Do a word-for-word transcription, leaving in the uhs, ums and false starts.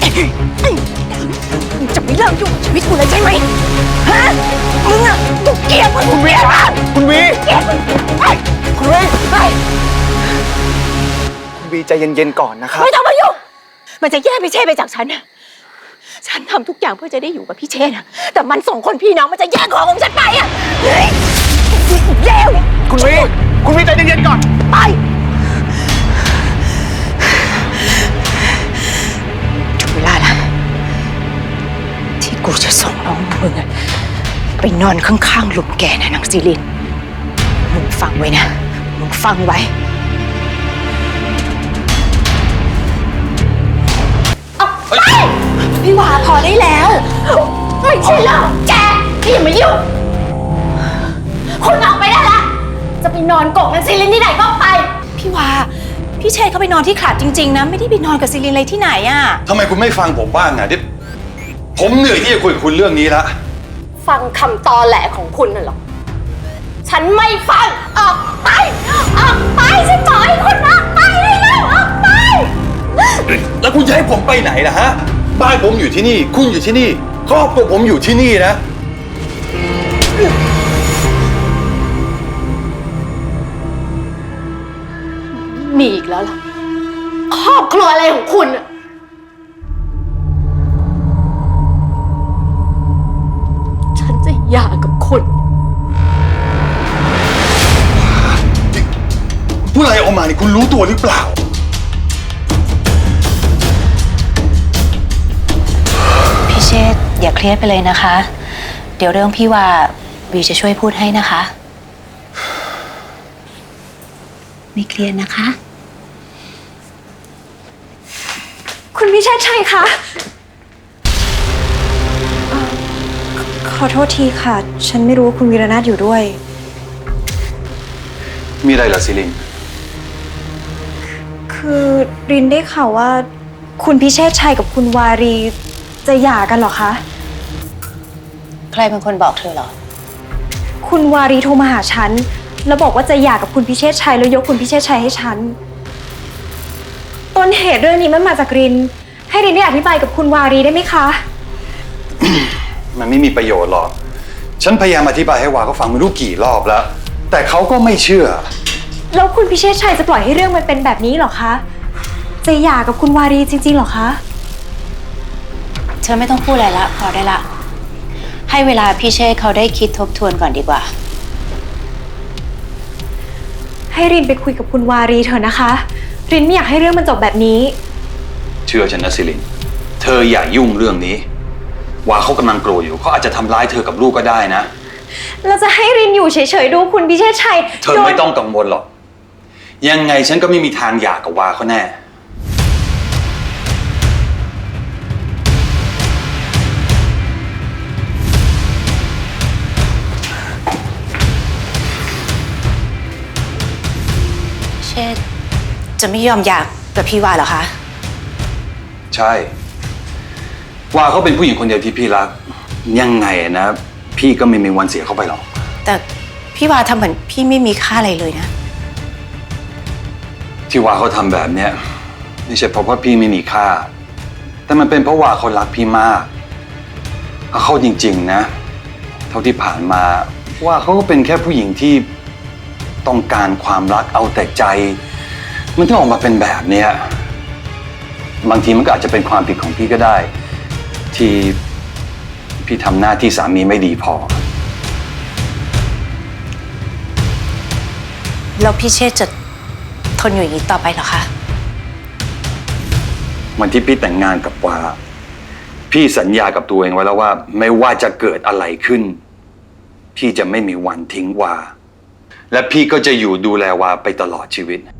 มึงจะไม่เลิกยุ่งกับชีวิตกูเลยใช่ไหมฮะมึงอะกูเกลียดมึงคุณวีคุณวีเกลียดมึงไปคุณวีไปคุณวีใจเย็นๆก่อนนะครับไม่ต้องมายุ่งมันจะแยกพี่เชษไปจากฉันนะฉันทำทุกอย่างเพื่อจะได้อยู่กับพี่เชษนะแต่มันสองคนพี่น้องมันจะแย่งของของฉันไปอะเฮ้ยเลวคุณวีคุณวีใจเย็นๆก่อนไปถึงเวลาแล้วที่กูจะส่งน้องมึงไปนอนข้างๆหลุมแกนะนางซีลินมึงฟังไว้นะมึงฟังไว้พี่วาพอได้แล้วไม่ใช่เรื่องแกที่อย่ามายุ่งคุณออกไปได้ละจะไปนอนกกกับซีลินที่ไหนก็ไปพี่วาพี่เชษเขาไปนอนที่ขลาดจริงๆนะไม่ได้ไปนอนกับซีลินอะไรที่ไหนอ่ะทำไมคุณไม่ฟังผมบ้างอ่ะที่ผมเหนื่อยที่จะคุยกับคุณเรื่องนี้ละฟังคำตอแหลของคุณน่ะหรอฉันไม่ฟังออกไปออกไปฉันบอกให้คุณออกไปเลยแล้วออกไปแล้วคุณจะให้ผมไปไหนล่ะฮะบ้านผมอยู่ที่นี่คุณอยู่ที่นี่ครอบครัวผมอยู่ที่นี่นะมีอีกแล้วล่ะครอบครัวอะไรของคุณอะฉันจะหย่ากับคุณผู้อะไรออกมานี่คุณรู้ตัวหรือเปล่าพี่เชษฐ์อย่าเครียดไปเลยนะคะเดี๋ยวเรื่องพี่ว่าวีจะช่วยพูดให้นะคะไม่เครียดนะคะคุณพิเชษชัยคะขอโทษทีค่ะฉันไม่รู้ว่าคุณวีรนาถอยู่ด้วยมีอะไรล่ะซิลินคือรินได้ข่าวว่าคุณพิเชษชัยกับคุณวารีจะหย่ากันเหรอคะใครเป็นคนบอกเธอเหรอคุณวารีโทรมาหาฉันแล้วบอกว่าจะหย่ากับคุณพิเชษชัยแล้วยกคุณพิเชษชัยให้ฉันต้นเหตุเรื่องนี้มันมาจากรินให้รินได้อธิบายกับคุณวารีได้ไหมคะมันไม่มีประโยชน์หรอกฉันพยายามอธิบายให้วาเขาฟังไม่รู้กี่รอบแล้วแต่เขาก็ไม่เชื่อแล้วคุณพิเชษชัยจะปล่อยให้เรื่องมันเป็นแบบนี้เหรอคะจะหย่ากับคุณวารีจริงๆเหรอคะเธอไม่ต้องพูดอะไรละพอได้ละให้เวลาพี่เชษเขาได้คิดทบทวนก่อนดีกว่าให้รินไปคุยกับคุณวารีเถอะนะคะรินไม่อยากให้เรื่องมันจบแบบนี้เชื่อฉันนะซิลินเธออย่ายุ่งเรื่องนี้วาเขากำลังโกรธอยู่เขาอาจจะทำร้ายเธอกับลูกก็ได้นะเราจะให้รินอยู่เฉยๆดูคุณพิเชษชัยเธอไม่ต้องกังวลหรอกยังไงฉันก็ไม่มีทางหย่ากับวาเขาแน่เชษจะไม่ยอมหย่ากับพี่วาเหรอคะใช่วาเขาเป็นผู้หญิงคนเดียวที่พี่รักยังไงนะพี่ก็ไม่มีวันเสียเขาไปหรอกแต่พี่วาทำเหมือนพี่ไม่มีค่าอะไรเลยนะที่วาเขาทำแบบเนี้ยไม่ใช่เพราะว่าพี่ไม่มีค่าแต่มันเป็นเพราะวาเขารักพี่มากเอาเข้าจริงๆนะเท่าที่ผ่านมาว่าเขาก็เป็นแค่ผู้หญิงที่ต้องการความรักเอาแต่ใจมันถึงออกมาเป็นแบบเนี้ยบางทีมันก็อาจจะเป็นความผิดของพี่ก็ได้ที่พี่ทำหน้าที่สามีไม่ดีพอแล้วพี่เชษจะทนอยู่อย่างนี้ต่อไปเหรอคะวันที่พี่แต่งงานกับวาพี่สัญญากับตัวเองไว้แล้วว่าไม่ว่าจะเกิดอะไรขึ้นพี่จะไม่มีวันทิ้งวาและพี่ก็จะอยู่ดูแลวาไปตลอดชีวิต